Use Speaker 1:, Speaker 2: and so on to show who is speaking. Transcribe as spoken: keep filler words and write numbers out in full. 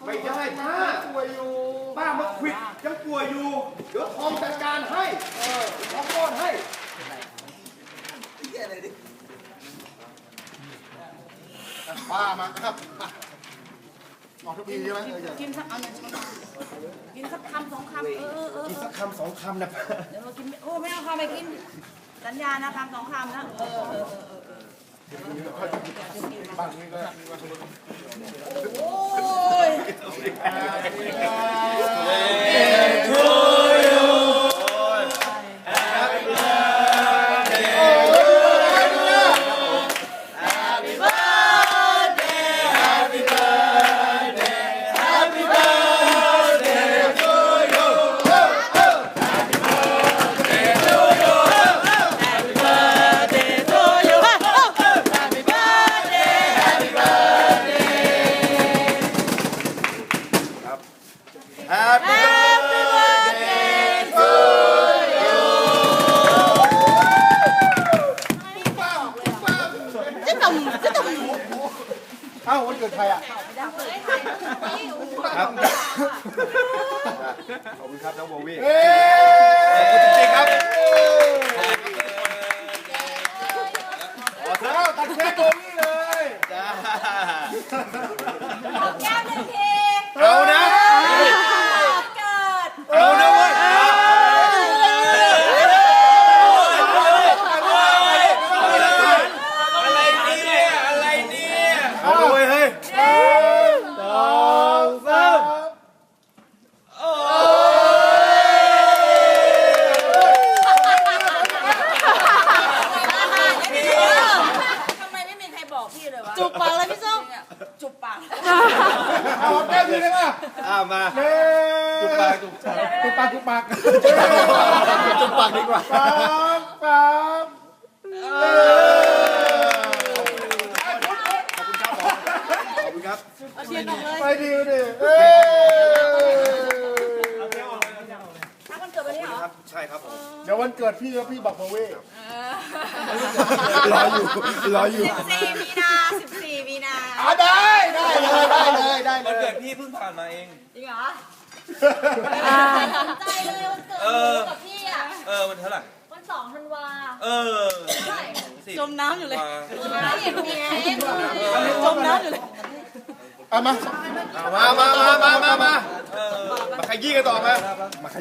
Speaker 1: ไม่ได้ป้าป่วยอยู่ป้ามาควิดยังป่วยอยู่เดี๋ยวทองจัดการให้เออทองก้อนให้ป้ามาครับออกทุกทีใช่ไหม
Speaker 2: กินสักเอาหนึ่งกินสักคำสองคำเออเออ
Speaker 1: กินสักคำสองคำนะป้า
Speaker 2: เดี๋ยวเรากินโอ้ไม่เอาคำไปกินสัญญานะคำสองคำนะเออเออเออเออ
Speaker 1: บ้านนี้ก็
Speaker 2: โอ้ย
Speaker 1: Happy birthday to you
Speaker 2: จะต่ำจะต่ำ
Speaker 1: เอ้าวันเกิดใครอ่ะครับขอบคุณครับน้องโบวี่ขอบคุณจริงๆครับขอเท้าตัดเค้กโบวี่เลยจ้า
Speaker 2: แก้มหนึ่งที
Speaker 1: เอานะ
Speaker 2: เกิด
Speaker 1: เอานะเว้ยอะไรเนี่ยอะไรเนี่ยเอาเลยเฮ้ยสองสามโอ้
Speaker 2: ทำไมไม่มีใครบอกพี่เลยวะจุบปากเลยพี่ส้มจุบปาก
Speaker 1: เอาแก้มดีเลยป่ะอ่ามาจุบปากจุบจุบปากจุบปากจุบปากดีกว่าปั๊บปั๊บขอบคุณครับขอบคุณครับไปดีดิเอ้ย
Speaker 2: ถ้ามันเกิดวันนี้เหรอ
Speaker 1: ครับใช่ครับผม
Speaker 3: เดี๋ยววันเกิดพี่แล้วพี่บอกมาเว้ย
Speaker 1: รออยู่รออยู่
Speaker 2: สิบสี่มีนาสิบสี่มีนา
Speaker 3: อ่ะได้ได้เลยได้เลยได้เล
Speaker 4: วัน
Speaker 3: ย
Speaker 4: เกิดพี่เพิ่งผ่านมาเอง
Speaker 2: จริงเหรอสนใจเลยวันเกิดกับพี่อ่ะ
Speaker 4: เออมันเท่าไหร่
Speaker 2: วันสองธันวา
Speaker 4: เออ
Speaker 2: จมน้ำอยู่เลย
Speaker 4: มา
Speaker 2: ไม่เห็นมีเองจมน้ำอยู่เลย
Speaker 3: เอามา
Speaker 1: มามามามามามา
Speaker 4: เออ
Speaker 1: มาขยี้กันต่อมา